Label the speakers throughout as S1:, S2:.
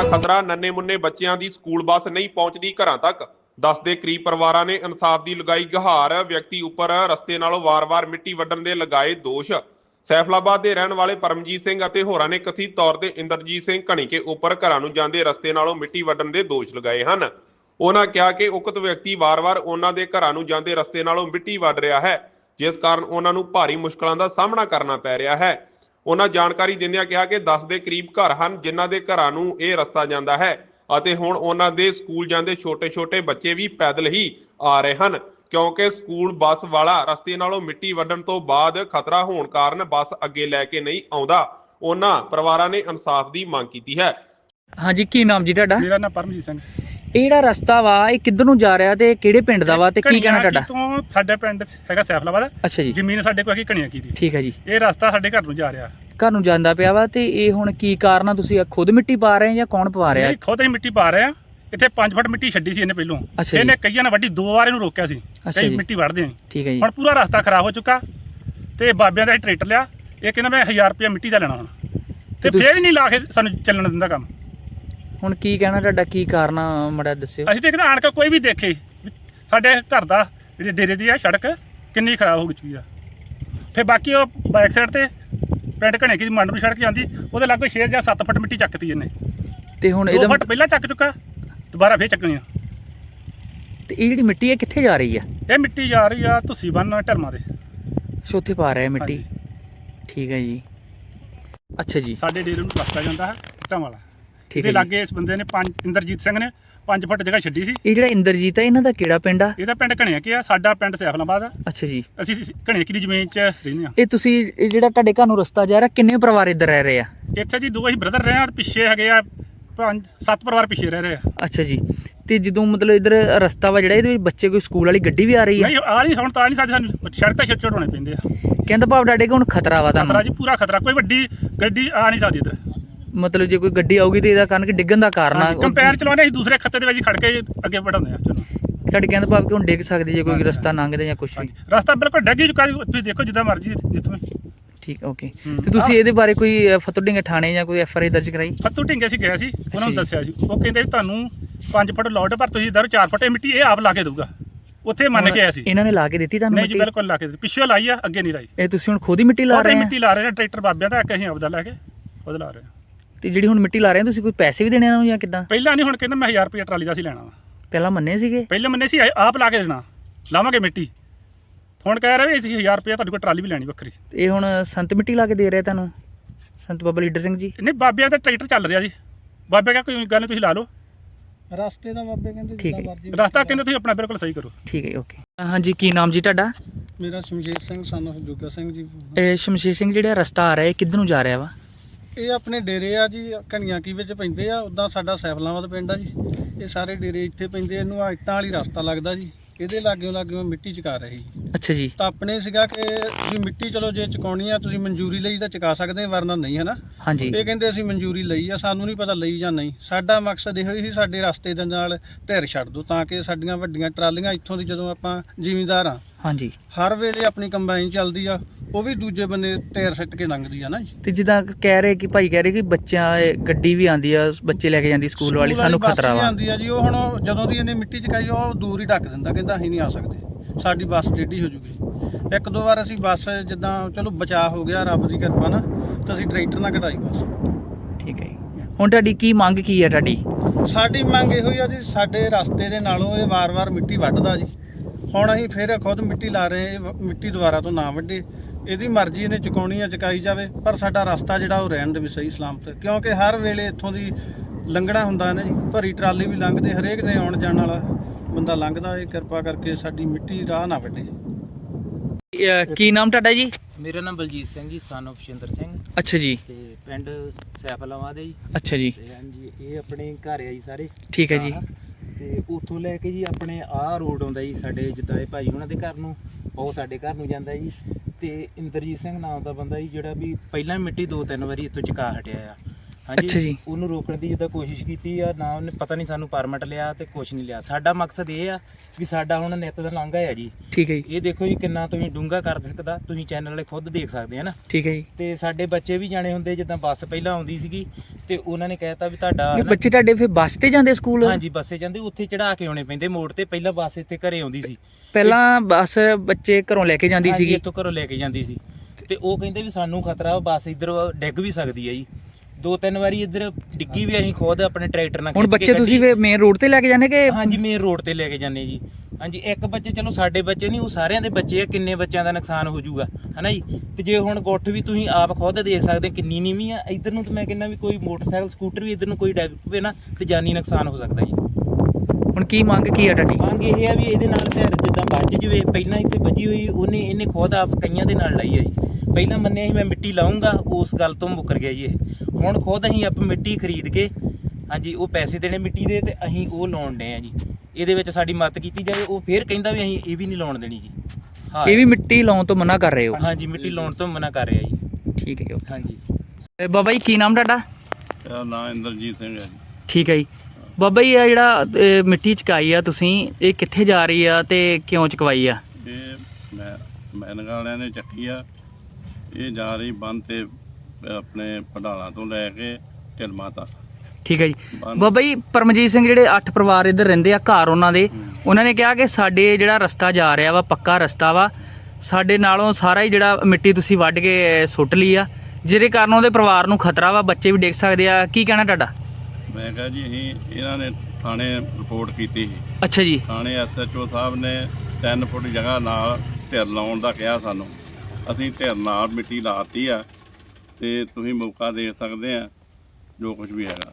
S1: ਖਤਰਾ, ਨੰਨੇ ਮੁੰਨੇ ਬੱਚਿਆਂ ਦੀ school bus ਨਹੀਂ ਪਹੁੰਚਦੀ ਘਰਾਂ ਤੱਕ। 10 ਦੇ ਕਰੀਬ ਪਰਿਵਾਰਾਂ ਨੇ ਇਨਸਾਫ ਦੀ ਲਗਾਈ ਗੁਹਾਰ। ਵਿਅਕਤੀ ਉੱਪਰ ਰਸਤੇ ਨਾਲੋਂ ਵਾਰ-ਵਾਰ ਮਿੱਟੀ ਵੱਢਣ ਦੇ ਲਗਾਏ ਦੋਸ਼। ਸੈਫਲਾਬਾਦ ਦੇ ਰਹਿਣ ਵਾਲੇ ਪਰਮਜੀਤ ਸਿੰਘ ਅਤੇ ਹੋਰਾਂ ਨੇ ਕਥਿਤ ਤੌਰ ਤੇ ਇੰਦਰਜੀਤ ਸਿੰਘ ਘਣੀਕੇ ਉੱਪਰ ਘਰਾਂ ਨੂੰ ਜਾਂਦੇ ਰਸਤੇ ਨਾਲੋਂ ਮਿੱਟੀ ਵੱਢਣ ਦੇ ਦੋਸ਼ ਲਗਾਏ ਹਨ। ਉਹਨਾਂ ਕਿਹਾ ਕਿ ਉਕਤ ਵਿਅਕਤੀ ਵਾਰ-ਵਾਰ ਉਹਨਾਂ ਦੇ ਘਰਾਂ ਨੂੰ ਜਾਂਦੇ ਰਸਤੇ ਨਾਲੋਂ ਮਿੱਟੀ ਵੱਢ ਰਿਹਾ ਹੈ, ਜਿਸ ਕਾਰਨ ਉਹਨਾਂ ਨੂੰ ਭਾਰੀ ਮੁਸ਼ਕਲਾਂ ਦਾ ਸਾਹਮਣਾ ਕਰਨਾ ਪੈ ਰਿਹਾ ਹੈ। ਉਹਨਾਂ ਜਾਣਕਾਰੀ ਦਿੰਦਿਆਂ ਕਿਹਾ ਕਿ 10 ਦੇ ਕਰੀਬ ਘਰ ਹਨ ਜਿਨ੍ਹਾਂ ਦੇ ਘਰਾਂ ਨੂੰ ਇਹ ਰਸਤਾ ਜਾਂਦਾ ਹੈ ਅਤੇ ਹੁਣ ਉਹਨਾਂ ਦੇ ਸਕੂਲ ਜਾਂਦੇ ਛੋਟੇ-ਛੋਟੇ ਬੱਚੇ ਵੀ ਪੈਦਲ ਹੀ ਆ ਰਹੇ ਹਨ, ਕਿਉਂਕਿ ਸਕੂਲ ਬੱਸ ਵਾਲਾ ਰਸਤੇ ਨਾਲੋਂ ਮਿੱਟੀ ਵੱਢਣ ਤੋਂ ਬਾਅਦ ਖਤਰਾ ਹੋਣ ਕਾਰਨ ਬੱਸ ਅੱਗੇ ਲੈ ਕੇ ਨਹੀਂ ਆਉਂਦਾ। ਉਹਨਾਂ ਪਰਿਵਾਰਾਂ ਨੇ ਇਨਸਾਫ ਦੀ ਮੰਗ ਕੀਤੀ ਹੈ।
S2: ਹਾਂਜੀ, ਕੀ ਨਾਮ ਜੀ ਤੁਹਾਡਾ?
S3: ਮੇਰਾ ਨਾਮ ਪਰਮਜੀਤ ਸਿੰਘ।
S2: ਇਹ ਜਿਹੜਾ ਰਸਤਾ ਵਾ ਇਹ ਕਿੱਧਰ ਨੂੰ ਜਾ ਰਿਹਾ ਤੇ ਕਿਹੜੇ ਪਿੰਡ ਦਾ ਵਾ ਤੇ ਕੀ ਕਹਿਣਾ ਤੁਹਾਡਾ?
S3: ਤੋਂ ਸਾਡੇ ਪਿੰਡ ਹੈਗਾ ਸੈਫਲਾਬਾਦ।
S2: ਅੱਛਾ ਜੀ।
S3: ਜ਼ਮੀਨ ਸਾਡੇ ਕੋਲ ਹੈਗੀ ਘਣੀਆਂ ਕੀ ਦੀ।
S2: ਠੀਕ ਹੈ ਜੀ।
S3: ਇਹ ਰਸਤਾ ਸਾਡੇ ਘਰ ਨੂੰ ਜਾ ਰਿਹਾ।
S2: ਘਰ ਨੂੰ ਜਾਂਦਾ ਪਿਆ ਵਾ ਤੇ ਇਹ ਹੁਣ ਕੀ ਕਾਰਨ ਆ? ਤੁਸੀਂ ਖੁਦ ਮਿੱਟੀ ਪਾ ਰਹੇ ਜਾਂ ਕੌਣ ਪਵਾ ਰਿਹਾ?
S3: ਨਹੀਂ, ਖੁਦ ਹੀ ਮਿੱਟੀ ਪਾ ਰਹੇ ਆ। ਇੱਥੇ 5 ਫੁੱਟ ਮਿੱਟੀ ਛੱਡੀ ਸੀ ਇਹਨੇ ਪਹਿਲੋਂ। ਇਹਨੇ ਕਈਆਂ ਨੇ ਵੱਡੀ 2 ਵਾਰ ਇਹਨੂੰ ਰੋਕਿਆ ਸੀ ਕਈ ਮਿੱਟੀ ਵੱਢਦੇ ਆਂ।
S2: ਠੀਕ ਹੈ ਜੀ।
S3: ਹੁਣ ਪੂਰਾ ਰਸਤਾ ਖਰਾਬ ਹੋ ਚੁੱਕਾ ਤੇ ਬਾਬਿਆਂ ਦਾ ਟਰੈਕਟਰ ਲਿਆ। ਇਹ ਕਹਿੰਦਾ ਮੈਂ 1000 ਰੁਪਏ ਮਿੱਟੀ ਦਾ ਲੈਣਾ ਹੁਣ ਤੇ ਫੇਰ ਵੀ ਨਹੀਂ ਲਾ ਕੇ ਸਾਨੂੰ ਚੱਲਣ ਦਿੰਦਾ ਕੰਮ।
S2: ਹੁਣ ਕੀ ਕਹਿਣਾ ਤੁਹਾਡਾ? ਕੀ ਕਾਰਨ ਆ ਮੜਾ ਦੱਸਿਓ।
S3: ਅਸੀਂ ਤੇ ਕਹਿੰਦਾ ਆਣ ਕੇ ਕੋਈ ਵੀ ਦੇਖੇ ਸਾਡੇ ਘਰ ਦਾ ਜਿਹੜੀ ਡੇਰੇ ਦੀ ਆ ਸੜਕ ਕਿੰਨੀ ਖਰਾਬ ਹੋ ਚੁੱਕੀ ਆ। ਫਿਰ ਬਾਕੀ ਉਹ ਬੈਕ ਸਾਈਡ ਤੇ ਪਿੰਡ ਘਣੀਕੇ ਦੀ ਮੰਡ ਨੂੰ ਸੜਕ ਜਾਂਦੀ, ਉਹਦੇ ਲਾਗੇ 6 ਜਾਂ 7 ਫੁੱਟ ਮਿੱਟੀ ਚੱਕਤੀ ਇਹਨੇ।
S2: ਤੇ ਹੁਣ
S3: 2 ਫੁੱਟ ਪਹਿਲਾਂ ਚੱਕ ਚੁੱਕਾ, ਦੁਬਾਰਾ ਫੇਰ ਚੱਕਣੀ ਆ।
S2: ਤੇ ਇਹ ਜਿਹੜੀ ਮਿੱਟੀ ਹੈ ਕਿੱਥੇ ਜਾ ਰਹੀ ਆ?
S3: ਇਹ ਮਿੱਟੀ ਜਾ ਰਹੀ ਆ ਤੁਸੀਂ ਬੰਨ ਢਰਮਾਂ ਦੇ
S2: ਉੱਥੇ ਪਾ ਰਿਹਾ ਮਿੱਟੀ। ਠੀਕ ਹੈ ਜੀ। ਅੱਛਾ ਜੀ।
S3: ਸਾਡੇ ਡੇਰੇ ਨੂੰ ਰਸਤਾ ਜਾਂਦਾ ਹੈ ਇੱਟਾਂ ਵਾਲਾ।
S2: ਠੀਕ
S3: ਇਹਦੇ
S2: ਹੈ।
S3: ਲਾਗੇ ਇਸ ਬੰਦੇ ਨੇ ਇੰਦਰਜੀਤ ਸਿੰਘ ਨੇ 5 ਫੁੱਟ ਜਗ੍ਹਾ ਛੱਡੀ ਸੀ।
S2: ਇਹ ਜਿਹੜਾ ਇੰਦਰਜੀਤ ਆ ਇਹਨਾਂ ਦਾ ਕਿਹੜਾ ਪਿੰਡ ਆ?
S3: ਇਹਦਾ ਪਿੰਡ ਘਣੀਕੇ ਆ, ਸਾਡਾ ਪਿੰਡ ਸੈਫਲਾਬਾਦ ਆ।
S2: ਅੱਛਾ ਜੀ।
S3: ਅਸੀਂ ਘਣੀਕੇ ਦੀ ਜ਼ਮੀਨ 'ਚ ਰਹਿੰਦੇ ਆ।
S2: ਇਹ ਤੁਸੀਂ ਇਹ ਜਿਹੜਾ ਤੁਹਾਡੇ ਘਰ ਨੂੰ ਰਸਤਾ ਜਾ ਰਿਹਾ, ਕਿੰਨੇ ਪਰਿਵਾਰ ਇੱਧਰ ਰਹਿ ਰਹੇ ਆ?
S3: ਇੱਥੇ ਜੀ 2 ਅਸੀਂ ਬ੍ਰਦਰ ਰਹੇ ਆ, ਪਿੱਛੇ ਹੈਗੇ ਆ 5-7 ਪਰਿਵਾਰ ਪਿੱਛੇ ਰਹਿ ਰਹੇ ਆ।
S2: ਅੱਛਾ ਜੀ। ਤੇ ਜਦੋਂ ਮਤਲਬ ਇੱਧਰ ਰਸਤਾ ਵਾ ਜਿਹੜਾ ਇਹਦੇ ਵਿੱਚ ਬੱਚੇ ਕੋਈ ਸਕੂਲ ਵਾਲੀ ਗੱਡੀ ਵੀ ਆ ਰਹੀ ਆ?
S3: ਨਹੀਂ ਆ ਨਹੀਂ, ਹੁਣ ਤਾਂ ਨਹੀਂ ਸਾਡੇ, ਸਾਨੂੰ ਸੜਕ ਤੇ ਛੋਟੇ ਹੋਣੇ ਪੈਂਦੇ ਆ।
S2: ਕਹਿੰਦਾ ਭਾਵ ਡਾਡੇ ਕਿ ਹੁਣ ਖਤਰਾ ਵਾ
S3: ਖਤਰਾ
S2: ਤੁਹਾਨੂੰ?
S3: ਜੀ, ਪੂਰਾ ਖਤਰਾ। ਕੋਈ ਵੱਡੀ ਗੱਡੀ ਆ ਨਹੀਂ ਸਕਦੀ ਇੱਧਰ।
S2: ਮਤਲਬ ਜੇ ਕੋਈ ਗੱਡੀ ਆਊਗੀ ਤੇ ਇਹਦਾ ਕਾਰਨ ਕਿ ਡਿੱਗਣ ਦਾ ਕਾਰਨ ਆ?
S3: ਕੰਪੈਰ ਚਲਾਉਂਦੇ ਅਸੀਂ ਦੂਸਰੇ ਖੱਤੇ ਦੇ ਵਿੱਚ ਖੜ ਕੇ ਅੱਗੇ ਵਧਾਉਂਦੇ ਆ।
S2: ਤੁਹਾਡੇ ਕਹਿੰਦਾ ਭਾਵ ਕਿ ਹੁਣ ਡਿੱਗ ਸਕਦੀ ਜੇ ਕੋਈ ਰਸਤਾ ਲੰਘਦੇ ਜਾਂ ਕੁਝ ਵੀ?
S3: ਰਸਤਾ ਬਿਲਕੁਲ ਡੱਗ ਹੀ ਚੁੱਕਾ, ਤੁਸੀਂ ਦੇਖੋ ਜਿੱਦਾਂ ਮਰਜ਼ੀ ਜਿੱਥੋਂ।
S2: ਠੀਕ, ਓਕੇ। ਤੇ ਤੁਸੀਂ ਇਹਦੇ ਬਾਰੇ ਕੋਈ ਫਤਿਹਗੜ੍ਹ ਥਾਣੇ ਜਾਂ ਕੋਈ ਐਫਆਰਆਈ ਦਰਜ ਕਰਾਈ?
S3: ਫੱਤੂ ਢਿੰਗੇ ਸੀ ਗਿਆ ਸੀ, ਉਹਨਾਂ ਨੂੰ ਦੱਸਿਆ ਸੀ। ਉਹ ਕਹਿੰਦੇ ਤੁਹਾਨੂੰ 5 ਫੁੱਟ ਲੋਟ, ਪਰ ਤੁਸੀਂ ਇਧਰ 4 ਫੁੱਟ ਮਿੱਟੀ ਇਹ ਆਪ ਲਾ ਕੇ ਦਊਗਾ। ਉੱਥੇ ਮੰਨ ਕੇ ਆਇਆ ਸੀ।
S2: ਇਹਨਾਂ ਨੇ ਲਾ ਕੇ ਦਿੱਤੀ ਤੁਹਾਨੂੰ
S3: ਨਹੀਂ ਜੀ, ਬਿਲਕੁਲ ਲਾ ਕੇ ਦਿੱਤੀ। ਪਿੱਛੋਂ ਲਾਈ ਆ, ਅੱਗੇ ਨਹੀਂ ਲਾਈ।
S2: ਇਹ ਤੁਸੀਂ ਹੁਣ ਖੁਦ ਹੀ ਮਿੱਟੀ ਲਾ ਰਹੇ ਆ?
S3: ਮਿੱਟੀ ਲਾ ਰਹੇ ਆ, ਟਰੈਕਟਰ ਬਾਬਿਆਂ ਦਾ, ਇੱਕ ਅਸੀਂ ਆਪਦਾ ਲੈ ਕੇ ਖੁਦ ਲਾ ਰਹੇ ਆ।
S2: ਤੇ ਜਿਹੜੀ ਹੁਣ ਮਿੱਟੀ ਲਾ ਰਹੇ ਆ ਤੁਸੀਂ ਕੋਈ ਪੈਸੇ ਵੀ ਦੇਣੇ ਇਹਨਾਂ ਨੂੰ ਜਾਂ ਕਿੱਦਾਂ?
S3: ਪਹਿਲਾਂ ਨਹੀਂ, ਹੁਣ ਕਹਿੰਦਾ ਮੈਂ 1000 ਰੁਪਏ ਟਰਾਲੀ ਦਾ ਸੀ ਲੈਣਾ ਵਾ।
S2: ਪਹਿਲਾਂ ਮੰਨੇ ਸੀਗੇ?
S3: ਪਹਿਲੇ ਮੰਨੇ ਸੀ ਆਪ ਲਾ ਕੇ ਦੇਣਾ, ਲਾਵਾਂਗੇ ਮਿੱਟੀ। ਹੁਣ ਕਹਿ ਰਹੇ ਅਸੀਂ 1000 ਰੁਪਏ ਤੁਹਾਡੇ ਕੋਲ ਟਰਾਲੀ ਵੀ ਲੈਣੀ ਵੱਖਰੀ।
S2: ਇਹ ਹੁਣ ਸੰਤ ਮਿੱਟੀ ਲਾ ਕੇ ਦੇ ਰਿਹਾ ਤੁਹਾਨੂੰ, ਸੰਤ ਬਾਬਾ ਲੀਡਰ ਸਿੰਘ ਜੀ?
S3: ਨਹੀਂ, ਬਾਬਿਆਂ ਦਾ ਟਰੈਕਟਰ ਚੱਲ ਰਿਹਾ ਜੀ। ਬਾਬੇ ਕਹਿੰਦਾ ਕੋਈ ਗੱਲ ਨਹੀਂ, ਤੁਸੀਂ ਲਾ ਲਓ
S4: ਰਸਤੇ ਦਾ। ਬਾਬੇ ਕਹਿੰਦੇ
S2: ਠੀਕ ਹੈ।
S3: ਰਸਤਾ ਕਹਿੰਦੇ ਤੁਸੀਂ ਆਪਣਾ ਬਿਲਕੁਲ ਸਹੀ ਕਰੋ।
S2: ਠੀਕ ਹੈ, ਓਕੇ। ਹਾਂਜੀ, ਕੀ ਨਾਮ ਜੀ ਤੁਹਾਡਾ?
S4: ਮੇਰਾ ਸ਼ਮਸ਼ੇਰ ਸਿੰਘ son of ਜੋਗਾ ਸਿੰਘ ਜੀ।
S2: ਇਹ ਸ਼ਮਸ਼ੇਰ ਸਿੰਘ, ਜਿਹੜਾ ਰਸਤਾ ਆ ਰਿਹਾ ਇਹ ਕਿੱਧਰ ਨੂੰ ਜਾ ਰਿਹਾ ਵਾ?
S4: ਇਹ ਆਪਣੇ ਡੇਰੇ ਆ ਜੀ, ਘਣੀਆਂ ਕੀ ਵਿੱਚ ਪੈਂਦੇ ਆ। ਉੱਦਾਂ ਸਾਡਾ ਸੈਫਲਾਬਾਦ ਪਿੰਡ ਆ ਜੀ। ਇਹ ਸਾਰੇ ਡੇਰੇ ਇੱਥੇ ਪੈਂਦੇ। ਇਹਨੂੰ ਆ ਇੱਟਾਂ ਵਾਲੀ ਰਸਤਾ ਲੱਗਦਾ ਜੀ। ਇਹਦੇ ਲਾਗਿਓਂ ਮਿੱਟੀ ਚੁਕਾ ਰਹੀ।
S2: ਅੱਛਾ ਜੀ।
S4: ਤਾਂ ਆਪਣੇ ਸੀਗਾ ਕਿ ਤੁਸੀਂ ਮਿੱਟੀ ਚਲੋ ਜੇ ਚੁਕਾਉਣੀ ਆ, ਤੁਸੀਂ ਮਨਜ਼ੂਰੀ ਲਈ ਤਾਂ ਚੁਕਾ ਸਕਦੇ, ਵਰਨਾ ਨਹੀਂ, ਹੈ ਨਾ।
S2: ਹਾਂਜੀ।
S4: ਇਹ ਕਹਿੰਦੇ ਅਸੀਂ ਮਨਜ਼ੂਰੀ ਲਈ ਆ, ਸਾਨੂੰ ਨਹੀਂ ਪਤਾ ਲਈ ਜਾਂ ਨਹੀਂ। ਸਾਡਾ ਮਕਸਦ ਇਹੋ ਹੀ ਸੀ, ਸਾਡੇ ਰਸਤੇ ਦੇ ਨਾਲ ਧਿਰ ਛੱਡ ਦਿਓ ਤਾਂ ਕਿ ਸਾਡੀਆਂ ਵੱਡੀਆਂ ਟਰਾਲੀਆਂ ਇੱਥੋਂ ਦੀ, ਜਦੋਂ ਆਪਾਂ ਜ਼ਿਮੀਂਦਾਰ ਆ,
S2: ਹਾਂਜੀ,
S4: ਹਰ ਵੇਲੇ ਆਪਣੀ ਕੰਬਾਈਨ ਚੱਲਦੀ ਆ, ਉਹ ਵੀ ਦੂਜੇ ਬੰਨੇ ਟਾਇਰ ਸਿੱਟ ਕੇ ਲੰਘਦੀ ਆ ਨਾ ਜੀ।
S2: ਤੇ ਜਿੱਦਾਂ ਕਹਿ ਰਹੇ ਕਿ ਭਾਈ ਕਹਿ ਰਹੇ ਕਿ ਬੱਚਿਆਂ ਗੱਡੀ ਵੀ ਆਂਦੀ ਆ, ਬੱਚੇ ਲੈ ਕੇ ਜਾਂਦੀ ਸਕੂਲ ਵਾਲੀ, ਸਾਨੂੰ ਖਤਰਾ ਵਾ।
S4: ਆਂਦੀ ਆ ਜੀ। ਉਹ ਹੁਣ ਜਦੋਂ ਦੀ ਇਹਨੇ ਮਿੱਟੀ ਚਕਾਈ ਉਹ ਦੂਰ ਹੀ ਢੱਕ ਦਿੰਦਾ, ਕਹਿੰਦਾ ਅਸੀਂ ਨਹੀਂ ਆ ਸਕਦੇ, ਸਾਡੀ ਬੱਸ ਟੇਢੀ ਹੋ ਜੂਗੀ। 1-2 ਵਾਰ ਅਸੀਂ ਬੱਸ ਜਿੱਦਾਂ ਚਲੋ ਬਚਾਅ ਹੋ ਗਿਆ ਰੱਬ ਦੀ ਕਿਰਪਾ ਨਾਲ, ਤਾਂ ਅਸੀਂ ਟਰੈਕਟਰ ਨਾਲ ਕਢਾਈ ਬੱਸ।
S2: ਠੀਕ ਹੈ। ਹੁਣ ਤੁਹਾਡੀ ਕੀ ਮੰਗ ਕੀ ਹੈ? ਤੁਹਾਡੀ
S4: ਸਾਡੀ ਮੰਗ ਇਹੋ ਹੀ ਆ ਜੀ, ਸਾਡੇ ਰਸਤੇ ਦੇ ਨਾਲੋਂ ਇਹ ਵਾਰ-ਵਾਰ ਮਿੱਟੀ ਵੱਢਦਾ ਜੀ। ਹੁਣ ਅਸੀਂ ਫਿਰ ਖੁਦ ਮਿੱਟੀ ਲਾ ਰਹੇ, ਇਹ ਮਿੱਟੀ ਦੁਬਾਰਾ ਤੋਂ ਨਾ ਵੱਢੇ। ਇਹਦੀ ਮਰਜ਼ੀ, ਇਹਨੇ ਚੁਕਾਉਣੀ ਆ ਚੁਕਾਈ ਜਾਵੇ, ਪਰ ਸਾਡਾ ਰਸਤਾ ਜਿਹੜਾ ਉਹ ਰਹਿਣ ਦੇ ਵੀ ਸਹੀ ਸਲਾਮਤ, ਕਿਉਂਕਿ ਹਰ ਵੇਲੇ ਇੱਥੋਂ ਦੀ ਲੰਘਣਾ ਹੁੰਦਾ ਨਾ ਜੀ। ਭਰੀ ਟਰਾਲੀ ਵੀ ਲੰਘਦੇ, ਹਰੇਕ ਦੇ ਆਉਣ ਜਾਣ ਵਾਲਾ ਬੰਦਾ ਲੰਘਦਾ। ਇਹ ਕਿਰਪਾ ਕਰਕੇ ਸਾਡੀ ਮਿੱਟੀ ਰਾਹ ਨਾ ਵੱਢੇ।
S2: ਕੀ ਨਾਮ ਤੁਹਾਡਾ ਜੀ?
S5: ਮੇਰਾ ਨਾਮ ਬਲਜੀਤ ਸਿੰਘ ਜੀ, son of ਸ਼ਿੰਦਰ ਸਿੰਘ।
S2: ਅੱਛਾ ਜੀ।
S5: ਤੇ ਪਿੰਡ ਸੈਫਲਾਬਾਦ ਹੈ ਜੀ।
S2: ਅੱਛਾ ਜੀ।
S5: ਤੇ ਹਾਂਜੀ, ਇਹ ਆਪਣੇ ਘਰ ਆ ਜੀ ਸਾਰੇ।
S2: ਠੀਕ ਹੈ ਜੀ।
S5: ਤੇ ਉੱਥੋਂ ਲੈ ਕੇ ਜੀ ਆਪਣੇ ਆਹ ਰੋਡ ਆਉਂਦਾ ਜੀ ਸਾਡੇ, ਜਿੱਦਾਂ ਇਹ ਭਾਈ ਉਹਨਾਂ ਦੇ ਘਰ ਨੂੰ, ਉਹ ਸਾਡੇ ਘਰ ਨੂੰ ਜਾਂਦਾ ਜੀ। ਤੇ ਇੰਦਰਜੀਤ ਸਿੰਘ ਨਾਮ ਦਾ ਬੰਦਾ ਜੀ, ਜਿਹੜਾ ਵੀ ਪਹਿਲਾਂ ਮਿੱਟੀ 2-3 ਵਾਰੀ ਇੱਥੋਂ ਚੁਕਾ ਹਟਿਆ ਆ।
S2: ਅੱਛਾ ਜੀ।
S5: ਉਹਨੂੰ ਰੋਕਣ ਦੀ ਜਿੱਦਾਂ ਕੋਸ਼ਿਸ਼ ਕੀਤੀ ਆ, ਨਾ ਉਹਨੇ ਪਤਾ ਨਹੀਂ ਸਾਨੂੰ ਪਰਮਿਟ ਲਿਆ ਤੇ ਕੁਛ ਨਹੀਂ ਲਿਆ। ਸਾਡਾ ਮਕਸਦ ਇਹ ਆ ਵੀ ਸਾਡਾ ਹੁਣ ਨਿੱਤ ਦਾ ਲਾਂਘਾ ਆ ਜੀ।
S2: ਠੀਕ ਹੈ ਜੀ।
S5: ਇਹ ਦੇਖੋ ਜੀ ਕਿੰਨਾ ਤੁਸੀਂ ਡੂੰਘਾ ਕਰ ਸਕਦਾ, ਤੁਸੀਂ ਚੈਨਲ ਵਾਲੇ ਖੁਦ ਦੇਖ ਸਕਦੇ ਆ ਨਾ।
S2: ਠੀਕ ਹੈ ਜੀ।
S5: ਤੇ ਸਾਡੇ ਬੱਚੇ ਵੀ ਜਾਣੇ ਹੁੰਦੇ, ਜਿੱਦਾਂ ਬੱਸ ਪਹਿਲਾਂ ਆਉਂਦੀ ਸੀਗੀ ਤੇ ਉਹਨਾਂ ਨੇ ਕਹਿਤਾ ਵੀ ਤੁਹਾਡਾ
S2: ਇਹ ਬੱਚੇ ਤੁਹਾਡੇ ਫਿਰ ਬੱਸ ਤੇ ਜਾਂਦੇ ਸਕੂਲ?
S5: ਹਾਂਜੀ ਬੱਸੇ ਜਾਂਦੇ, ਉੱਥੇ ਚੜਾ ਕੇ ਆਉਣੇ ਪੈਂਦੇ ਮੋੜ ਤੇ। ਪਹਿਲਾਂ ਬੱਸ ਇੱਥੇ ਘਰੇ ਆਉਂਦੀ ਸੀ,
S2: ਪਹਿਲਾਂ ਬੱਸ ਬੱਚੇ ਘਰੋਂ ਲੈ ਕੇ ਜਾਂਦੀ
S5: ਹਾਂਜੀ,
S2: ਸੀਗੀ?
S5: ਇੱਥੋਂ ਘਰੋਂ ਲੈ ਕੇ ਜਾਂਦੀ ਸੀ ਤੇ ਉਹ ਕਹਿੰਦੇ ਵੀ ਸਾਨੂੰ ਖਤਰਾ ਵਾ, ਬੱਸ ਇੱਧਰ ਡਿੱਗ ਵੀ ਸਕਦੀ ਆ ਜੀ। 2-3 ਵਾਰੀ ਇੱਧਰ ਡਿੱਗੀ ਵੀ, ਅਸੀਂ ਖੁਦ ਆਪਣੇ ਟਰੈਕਟਰ ਨਾਲ
S2: ਹੁਣ
S5: ਖਿੱਚ ਕੇ
S2: ਬੱਚੇ ਤੁਸੀਂ
S5: ਕੱਢੀ।
S2: ਮੇਨ ਰੋਡ ਤੇ ਲੈ ਕੇ ਜਾਂਦੇ ਕਿ?
S5: ਹਾਂਜੀ ਮੇਨ ਰੋਡ ਤੇ ਲੈ ਕੇ ਜਾਂਦੇ ਜੀ। ਹਾਂਜੀ ਇੱਕ ਬੱਚੇ, ਚਲੋ ਸਾਡੇ ਬੱਚੇ ਨਹੀਂ, ਉਹ ਸਾਰਿਆਂ ਦੇ ਬੱਚੇ ਆ, ਕਿੰਨੇ ਬੱਚਿਆਂ ਦਾ ਨੁਕਸਾਨ ਹੋ ਜਾਊਗਾ ਹਨਾ ਜੀ। ਤੇ ਜੇ ਹੁਣ ਗੁੱਠ ਵੀ ਤੁਸੀਂ ਆਪ ਖੁਦ ਦੇਖ ਸਕਦੇ ਕਿੰਨੀ ਨੀਵੀਂ ਆ, ਇੱਧਰ ਨੂੰ ਤਾਂ ਮੈਂ ਕਹਿੰਦਾ ਵੀ ਕੋਈ ਮੋਟਰਸਾਈਕਲ ਸਕੂਟਰ ਵੀ ਇੱਧਰ ਨੂੰ ਕੋਈ ਡਿੱਗ ਪਵੇ ਨਾ ਤੇ ਜਾਨੀ ਨੁਕਸਾਨ ਹੋ ਸਕਦਾ ਜੀ।
S2: ਹੁਣ ਕੀ ਮੰਗ ਕੀ ਆ ਤੁਹਾਡੀ?
S5: ਮੰਗ ਇਹ ਆ ਵੀ ਇਹਦੇ ਨਾਲ ਧਿਰ ਜਿੱਦਾਂ ਵੱਜ ਜਵੇ, ਪਹਿਲਾਂ ਇੱਥੇ ਵੱਜੀ ਹੋਈ ਇਹਨੇ ਖੁਦ ਆਪ ਕਈਆਂ ਦੇ ਨਾਲ ਲਾਈ ਆ ਜੀ। ਪਹਿਲਾਂ ਮੰਨਿਆ ਸੀ ਮੈਂ ਮਿੱਟੀ ਲਾਉਂਗਾ, ਉਸ ਗੱਲ ਤੋਂ ਮੁੱਕਰ ਗਿਆ ਜੀ ਇਹ। ਹੁਣ ਖੁਦ ਅਸੀਂ ਆਪ ਮਿੱਟੀ ਖਰੀਦ ਕੇ, ਹਾਂਜੀ ਉਹ ਪੈਸੇ ਦੇਣੇ ਮਿੱਟੀ ਦੇ ਤੇ ਅਸੀਂ ਉਹ ਲਾਉਣ ਡਏ ਆ ਜੀ। ਇਹਦੇ ਵਿੱਚ ਸਾਡੀ ਮਦਦ ਕੀਤੀ ਜਾਵੇ। ਉਹ ਫੇਰ ਕਹਿੰਦਾ ਵੀ ਅਸੀਂ ਇਹ ਵੀ ਨਹੀਂ ਲਾਉਣ ਦੇਣੀ ਜੀ। ਹਾਂ
S2: ਇਹ ਵੀ ਮਿੱਟੀ ਲਾਉਣ ਤੋਂ ਮਨਾ ਕਰ ਰਹੇ ਹੋ?
S5: ਹਾਂਜੀ ਮਿੱਟੀ ਲਾਉਣ ਤੋਂ ਮਨਾ ਕਰ ਰਿਹਾ ਜੀ।
S2: ਠੀਕ ਹੈ ਜੀ।
S5: ਹਾਂਜੀ
S2: ਬਾਬਾ ਜੀ ਕੀ ਨਾਮ ਤੁਹਾਡਾ?
S6: ਮੇਰਾ ਨਾਮ ਇੰਦਰਜੀਤ ਸਿੰਘ ਹੈ ਜੀ।
S2: ਠੀਕ ਹੈ ਜੀ। ਬਾਬਾ ਜੀ ਆ ਜਿਹੜਾ ਮਿੱਟੀ ਚੁਕਾਈ ਆ ਤੁਸੀਂ, ਇਹ ਕਿੱਥੇ ਜਾ ਰਹੀ ਆ ਤੇ ਕਿਉਂ ਚੁਕਵਾਈ ਆ?
S6: ਇਹ ਮੈਨਗਾ ਵਾਲਿਆਂ ਨੇ ਚੱਕੀ ਆ। ਇਹ ਜਾ ਰਹੀ ਬੰਨ ਤੇ ਆਪਣੇ ਪੜਾਲਾ ਤੋਂ ਲੈ ਕੇ ਢਿਲਮਾ ਤੱਕ।
S2: ਠੀਕ ਹੈ ਜੀ। ਬਾਬਾ ਜੀ ਪਰਮਜੀਤ ਸਿੰਘ ਜਿਹੜੇ 8 ਪਰਿਵਾਰ ਇੱਧਰ ਰਹਿੰਦੇ ਆ, ਘਰ ਉਹਨਾਂ ਦੇ, ਉਹਨਾਂ ਨੇ ਕਿਹਾ ਕਿ ਸਾਡੇ ਜਿਹੜਾ ਰਸਤਾ ਜਾ ਰਿਹਾ ਵਾ ਪੱਕਾ ਰਸਤਾ ਵਾ, ਸਾਡੇ ਨਾਲੋਂ ਸਾਰਾ ਹੀ ਜਿਹੜਾ ਮਿੱਟੀ ਤੁਸੀਂ ਵੱਢ ਕੇ ਸੁੱਟ ਲਈ ਆ, ਜਿਹਦੇ ਕਾਰਨ ਉਹਦੇ ਪਰਿਵਾਰ ਨੂੰ ਖਤਰਾ ਵਾ, ਬੱਚੇ ਵੀ ਡਿੱਗ ਸਕਦੇ ਆ। ਕੀ ਕਹਿਣਾ ਤੁਹਾਡਾ?
S6: ਮੈਂ ਕਿਹਾ ਜੀ ਅਸੀਂ ਇਹਨਾਂ ਨੇ ਥਾਣੇ ਰਿਪੋਰਟ ਕੀਤੀ ਸੀ।
S2: ਅੱਛਾ ਜੀ।
S6: ਥਾਣੇ SHO ਸਾਹਿਬ ਨੇ 3 ਫੁੱਟ ਜਗ੍ਹਾ ਨਾਲ ਢਿਰ ਲਾਉਣ ਦਾ ਕਿਹਾ ਸਾਨੂੰ। ਅਸੀਂ ਢਿਰ ਨਾਲ ਮਿੱਟੀ ਲਾਤੀ ਆ ਤੇ ਤੁਸੀਂ ਮੌਕਾ ਦੇ ਸਕਦੇ ਆ ਜੋ ਕੁਝ ਵੀ ਹੈਗਾ।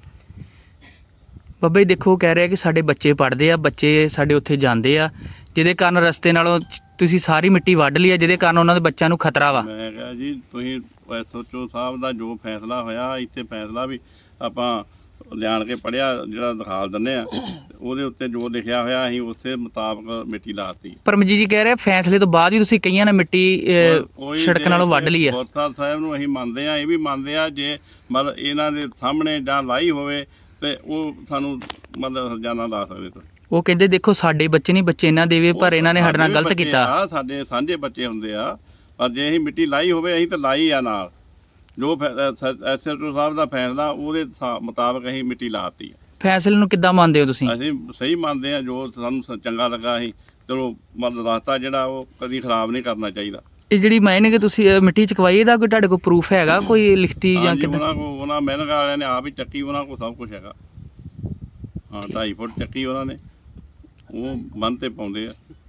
S2: ਬਾਬਾ ਜੀ ਦੇਖੋ ਕਹਿ ਰਿਹਾ ਕਿ ਸਾਡੇ ਬੱਚੇ ਪੜ੍ਹਦੇ ਆ, ਬੱਚੇ ਸਾਡੇ ਉੱਥੇ ਜਾਂਦੇ ਆ, ਜਿਹਦੇ ਕਾਰਨ ਰਸਤੇ ਨਾਲੋਂ ਤੁਸੀਂ ਸਾਰੀ ਮਿੱਟੀ ਵੱਢ ਲਈ ਆ, ਜਿਹਦੇ ਕਾਰਨ ਉਹਨਾਂ ਦੇ ਬੱਚਿਆਂ ਨੂੰ ਖਤਰਾ ਵਾ।
S6: ਮੈਂ ਕਿਹਾ ਜੀ ਤੁਸੀਂ SHO ਸਾਹਿਬ ਦਾ ਜੋ ਫੈਸਲਾ ਹੋਇਆ, ਇੱਥੇ ਫੈਸਲਾ ਵੀ ਆਪਾਂ ਲਿਆਣ ਕੇ ਪੜਿਆ, ਜਿਹੜਾ ਦਿਖਾ ਦਿੰਦੇ ਆ, ਉਹਦੇ ਉੱਤੇ ਜੋ ਲਿਖਿਆ ਹੋਇਆ ਅਸੀਂ ਉਸੇ ਮੁਤਾਬਕ ਮਿੱਟੀ ਲਾਤੀ।
S2: ਪਰਮਜੀਤ ਜੀ ਕਹਿ ਰਿਹਾ ਫੈਸਲੇ ਤੋਂ ਬਾਅਦ ਹੀ ਤੁਸੀਂ ਕਈਆਂ ਨੇ ਮਿੱਟੀ ਸੜਕ ਨਾਲੋਂ ਵੱਢ ਲਈ ਆ।
S6: ਗੁਰਦੁਆਰਾ ਸਾਹਿਬ ਨੂੰ ਅਸੀਂ ਮੰਨਦੇ ਆ, ਇਹ ਵੀ ਮੰਨਦੇ ਆ, ਜੇ ਮਤਲਬ ਇਹਨਾਂ ਦੇ ਸਾਹਮਣੇ ਜਾਂ ਲਾਈ ਹੋਵੇ ਤੇ ਉਹ ਸਾਨੂੰ ਮਤਲਬ ਹਰਜਾਨਾ ਲਾ ਸਕਦੇ ਤੁਸੀਂ।
S2: ਉਹ ਕਹਿੰਦੇ ਦੇਖੋ ਸਾਡੇ ਬੱਚੇ ਨਹੀਂ, ਬੱਚੇ ਇਹਨਾਂ ਦੇ ਵੀ, ਪਰ ਇਹਨਾਂ ਨੇ ਸਾਡੇ ਨਾਲ ਗਲਤ ਕੀਤਾ।
S6: ਸਾਡੇ ਸਾਂਝੇ ਬੱਚੇ ਹੁੰਦੇ ਆ, ਪਰ ਜੇ ਅਸੀਂ ਮਿੱਟੀ ਲਾਈ ਹੋਵੇ ਅਸੀਂ ਤਾਂ ਲਾਈ ਆ ਨਾਲ। ਜੋ SHO ਸਾਹਿਬ ਦਾ ਫੈਸਲਾ ਉਹਦੇ ਮੁਤਾਬਕ ਅਸੀਂ ਮਿੱਟੀ ਲਾਤੀ।
S2: ਫੈਸਲੇ ਨੂੰ ਕਿੱਦਾਂ ਮੰਨਦੇ ਹੋ ਤੁਸੀਂ?
S6: ਅਸੀਂ ਸਹੀ ਮੰਨਦੇ ਆ, ਜੋ ਸਾਨੂੰ ਚੰਗਾ ਲੱਗਾ ਅਸੀਂ ਚਲੋ ਮਤਲਬ ਰਸਤਾ ਜਿਹੜਾ ਉਹ ਕਦੀ ਖਰਾਬ ਨਹੀਂ ਕਰਨਾ ਚਾਹੀਦਾ।
S2: ਇਹ ਜਿਹੜੀ ਮਾਇਨੇ ਕਿ ਤੁਸੀਂ ਮਿੱਟੀ ਚਕਵਾਈ, ਇਹਦਾ ਕੋਈ ਤੁਹਾਡੇ ਕੋਲ ਪ੍ਰੂਫ ਹੈਗਾ ਕੋਈ ਲਿਖਤੀ ਜਾਂ ਕਿੱਦਾਂ?
S6: ਉਹਨਾਂ ਮਿਹਨਤ ਵਾਲਿਆਂ ਨੇ ਆਪ ਹੀ ਚੱਕੀ, ਉਹਨਾਂ ਕੋਲ ਸਭ ਕੁਝ ਹੈਗਾ। ਹਾਂ 2.5 ਫੁੱਟ ਚੱਕੀ ਉਹਨਾਂ ਨੇ, ਉਹ ਬੰਨ ਤੇ ਪਾਉਂਦੇ ਆ।